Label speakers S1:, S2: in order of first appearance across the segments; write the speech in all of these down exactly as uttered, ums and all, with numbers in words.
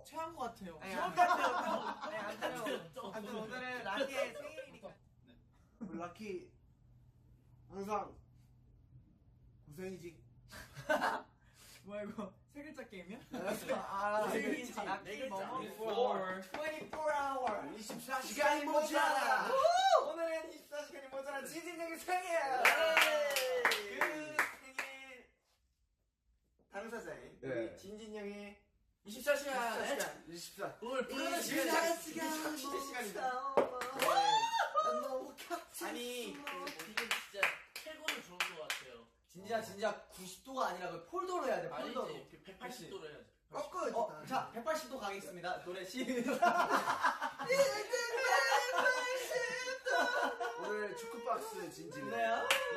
S1: 어?
S2: 최한 것 같아요.
S1: 네, 안 같아요.
S2: 네, 안 돼요. 아무튼 오늘은 라키의 생일이니까.
S1: 라키 항상 고생이지.
S2: 뭐야 이거 세 글자 게임이야?
S1: 아,
S2: 고생이지.
S1: 네
S2: 라키 뭐뭐?
S1: 이십사 아워 이십사 시간이 모자라.
S2: 오늘은 이십사 시간이 모자란 지진영의 생일. 그 생일 당사자인
S1: 네.
S2: 우리 진진영의 이십사 시간.
S1: 이십사.
S2: 오늘 부르는
S1: 이십사
S2: 시간 시간이다.
S1: 너무
S2: 아니
S3: 이게 진짜 최고로 좋은 것 같아요.
S4: 진짜 진짜 구십 도가 아니라 그 폴더로 해야 돼. 폴더로.
S3: 아니지 백팔십 도로 해야지.
S1: 꺾어야지.
S4: 어, 자 백팔십 도 가겠습니다. 노래 시작.
S1: 오늘 축구박스 진진이.
S4: 네요.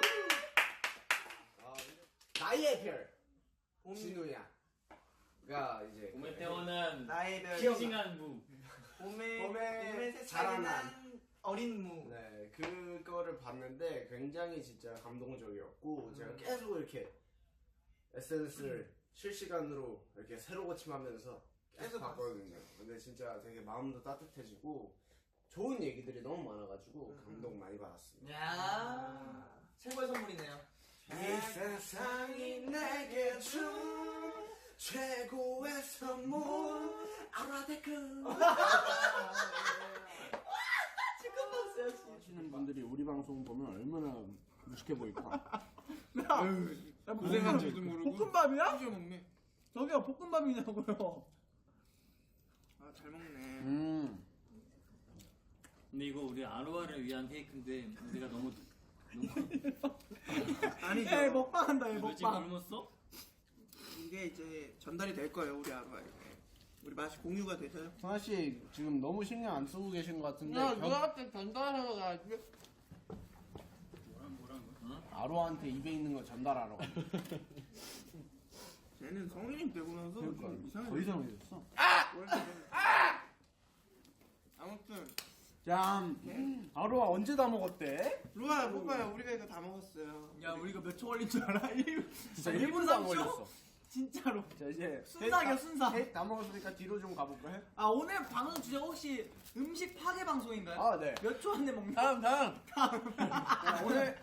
S1: 아, 나의 별 진우야. 가 이제
S3: 봄에 태어난
S2: 나의 별
S3: 싱싱한 무.
S2: 봄에
S1: 봄에
S2: 봄에 새싹이
S1: 자라난.
S2: 난 어린 무.
S1: 네, 그거를 봤는데 굉장히 진짜 감동적이었고
S2: 음.
S1: 제가 계속 이렇게 에스엔에스를 실시간으로 이렇게 새로 고침하면서 계속
S2: 계속
S1: 봤거든요. 근데 진짜 되게 마음도 따뜻해지고 좋은 얘기들이 너무 많아가지고
S2: 음.
S1: 감동 많이 받았습니다.
S4: 야 최고의 선물이네요.
S1: 이 세상이 내게 준 최고의 선물 아라데크. 하시는 분들이 우리 방송 보면 얼마나 무식해 보일까.
S5: 고생한 줄도 모르고
S2: 볶음밥이야?
S5: 찢어 먹네.
S2: 저기요 볶음밥이냐고요.
S5: 아 잘 먹네.
S1: 음.
S3: 근데 이거 우리 아로아를 위한 케이크인데 우리가 너무
S5: 아니죠.
S2: 에 먹방한다 얘
S3: 너 지금
S2: 먹방.
S3: 굶었어?
S5: 이게 이제 전달이 될 거예요 우리 아로아에게. 우리 맛이 공유가 돼서요.
S1: 성아 씨 지금 너무 신경 안 쓰고 계신 것 같은데.
S5: 야
S1: 견-
S5: 누나한테 전달하러 가야지.
S3: 뭐랑 뭐랑 뭐?
S1: 아로한테 입에 있는 거 전달하러 가.
S5: 쟤는 성인이 되고 나서 좀 이상해.
S1: 더 이상해졌어.
S5: 아무튼
S1: 짠. 아로아 언제 다 먹었대?
S5: 루아 먹어요. 우리가 이거 다 먹었어요.
S2: 야 우리가 몇 초 걸린 줄 알아?
S1: 진짜
S2: 일 분
S1: 일 분도 안
S2: 삼 초?
S1: 걸렸어.
S2: 진짜로.
S1: 자 이제
S2: 순삭이야, 순삭.
S1: 케이크 다 먹었으니까 뒤로 좀 가볼까 해?
S2: 아 오늘 방송 주제가 혹시 음식 파괴 방송인가요?
S1: 아 네.
S2: 몇 초 안에 먹나?
S1: 다음 다음. 자, 오늘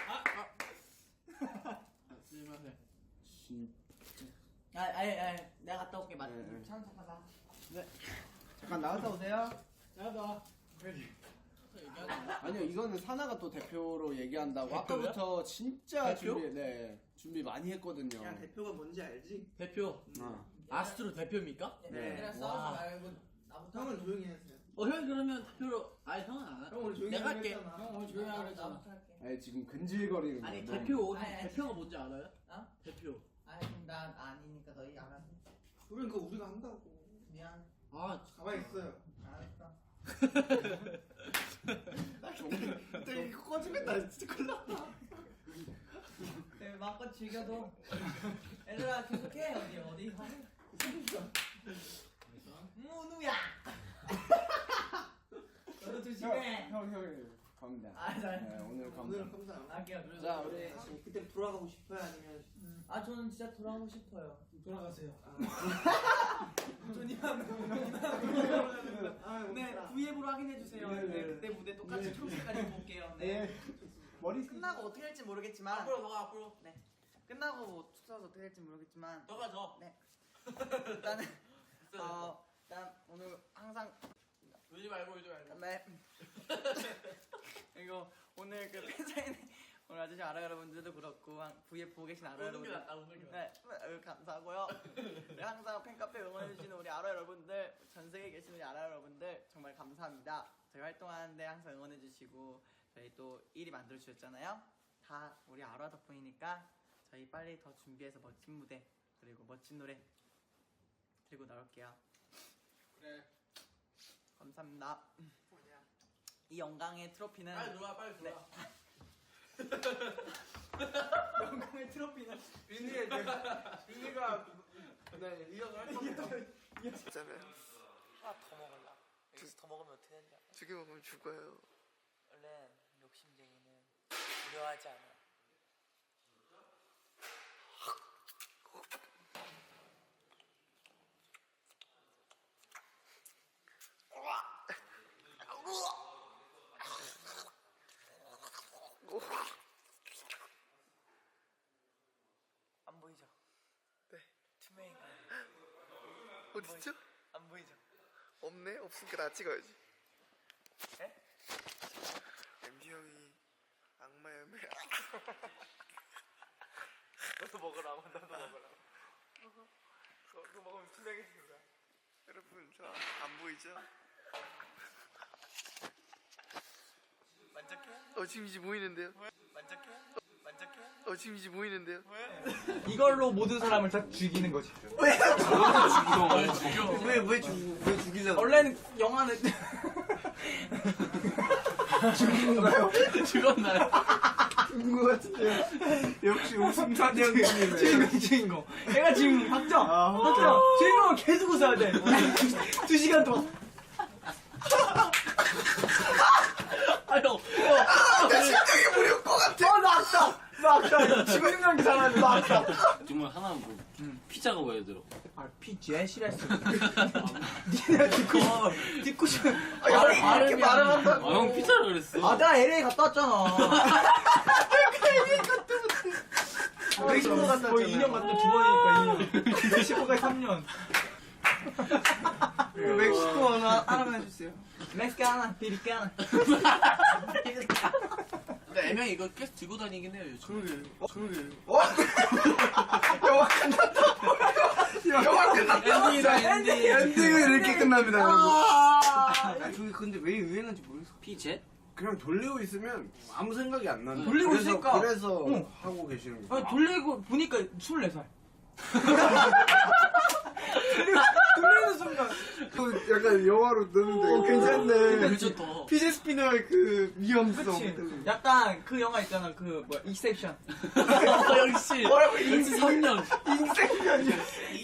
S5: 쓸만해.
S1: 진
S2: 아, 아예, 아예, 내가 갔다 올게. 맞.
S1: 네, 네.
S2: 찬 잠깐 나.
S1: 잠깐 나갔다 오세요.
S2: 나가.
S1: 아니요 이거는 사나가 또 대표로 얘기한다고 아까부터 진짜
S3: 대표?
S1: 준비 네 준비 많이 했거든요.
S5: 야 대표가 뭔지 알지?
S3: 대표.
S1: 어.
S3: 아스트로 대표입니까?
S1: 네.
S2: 얘들아 싸우지 말고 나부터.
S5: 형은 조용히 하세요.
S3: 어 형 그러면 대표로 아니 형은 안 해.
S5: 형 오늘 조용히
S3: 내가
S5: 하기로
S3: 할게.
S5: 했잖아.
S3: 형 오늘 조용히 하기로
S2: 나부터
S3: 했잖아.
S2: 할게.
S1: 아니 지금 근질거리는
S3: 아니
S1: 거 너무-
S3: 대표
S2: 아니, 아니,
S3: 대표가 뭔지 알아요?
S2: 어?
S3: 대표.
S2: 아니 그럼 난 아니니까 너희 알아서.
S5: 그러니까 우리가 한다고.
S2: 미안.
S3: 아
S5: 가만히 있어요.
S2: 알았어.
S5: 근데 이거 꺼지면 나 진짜 큰일 났다.
S2: 네, 마음껏 즐겨도. 얘들아 계속해 어디 어디 하는? 무누야. 너도 조심해.
S1: 형, 형, 형, 갑니다.
S2: 아, 잘.
S1: 네, 오늘
S5: 오늘
S1: 갑니다.
S5: 감사합니다.
S2: 할게요. 그래서
S1: 자, 우리
S5: 아니, 그때 돌아가고 싶어요 아니면
S2: 아 저는 진짜 돌아오고 싶어요.
S5: 돌아가세요.
S2: 존이만
S5: 아,
S2: 네 V앱으로 확인해 주세요.
S1: 네,
S2: 네,
S1: 네.
S2: 그때 무대 똑같이 초록색까지 입고 올게요. 네.
S1: 네. 머리
S2: 끝나고 어떻게 될지 모르겠지만
S3: 앞으로 더 앞으로.
S2: 네. 끝나고 뭐 축사도 어떻게 될지 모르겠지만
S3: 더가 더.
S2: 네. 일단은 어 일단 오늘 항상
S3: 울지 말고 울지 말고.
S2: 네. 그리고 오늘 그 팬사인회 오늘 아저씨 아라 여러분들도 그렇고 V앱 보고 계신 아라
S3: 우는 게
S2: 여러분들
S3: 낫다 우는 게 낫다.
S2: 네, 아유, 감사하고요. 네, 항상 팬카페 응원해주시는 우리 아라 여러분들, 전 세계에 계신 우리 아라 여러분들 정말 감사합니다. 저희 활동하는데 항상 응원해주시고 저희 또 일 위 만들어주셨잖아요. 다 우리 아라 덕분이니까 저희 빨리 더 준비해서 멋진 무대 그리고 멋진 노래 들고 나올게요.
S5: 그래.
S2: 감사합니다. 이 영광의 트로피는
S3: 빨리 들어와 빨리 들어와.
S2: 영광의 트로피는
S5: 윤희의 내가 윤희가 네 이어서 할 겁니다. 있잖아요.
S2: 하나 더 먹을라. 여기서 더 먹으면 어떻게 되는지 알아?
S5: 두 개 먹으면 죽어요.
S2: 원래 욕심쟁이는 두려워하지 않아.
S5: 보이시죠?
S2: 안 보이죠?
S5: 없네? 없으니까 나 찍어야지.
S2: 에?
S5: 엠디 형이 악마 열매.
S2: 너도 먹으라, 나도 먹으라.
S5: 그거 먹으면 투명해지는 거야. 여러분 저 안 보이죠?
S2: 만족해?
S5: 어 지금 이제 보이는데요?
S2: 만족해? 만족해?
S5: 어 지금 이제 보이는데요?
S4: 이걸로 모든 사람을 다 죽이는 거지.
S5: 왜 왜 죽 왜 죽이려고?
S2: 원래는 영화는
S3: 죽었나요?
S1: 죽은 거 같은데요. 역시 웃음타지 형님이네.
S4: 주인공 주인공. 얘가 지금 확정.
S1: 아,
S4: 확정. 주인공은 계속 웃어야 돼. 두 시간 동안.
S3: 아유.
S5: 내 심장이 무려올 것 같아.
S4: 어, 나 아까. 나 아까 지금 연기 잘하는데 나 아까.
S3: 정말 하나 뭐 피자가 왜 들어?
S4: 아, 피제 싫어했어. 니네 듣고 싶 듣고 싶.
S5: 아, 이렇게 말을 한다고.
S3: 아, 형 피자라 그랬어.
S4: 아, 나 엘에이 갔다 왔잖아. 멕시코 갔다 거의 이 년 갔다 두 번이니까 이 년. 멕시코가 삼 년.
S5: 멕시코 하나 하나만 해주세요.
S4: 멕시카나, 피리카나.
S6: 근데 애명이 이거 계속 들고 다니긴 해요 요즘.
S5: 그러게. 어 그러게. 어? 영화 끝났다. 영화 끝났다.
S3: 엔딩이다 엔딩.
S1: 엔딩은 이렇게 끝납니다, 여러분.
S5: 아 저게 근데 왜 유행한지 모르겠어.
S3: 피제?
S1: 그냥 돌리고 있으면 아무 생각이 안 나는.
S4: 돌리고
S1: 그래서,
S4: 있으니까.
S1: 그래서
S4: 응.
S1: 하고 계시는 거예요.
S4: 아, 돌리고 보니까 스물네 살. 돌리는 순간.
S1: 그 약간 영화로 넣는데
S5: 어, 괜찮네.
S3: 괜찮다.
S5: 피제 스피너의 그 위험성.
S4: 그치. 약간 그 영화 있잖아. 그 뭐야, 익셉션.
S3: 어, 역시.
S5: 뭐라고
S3: 역시 삼 년.
S5: 인생면이야.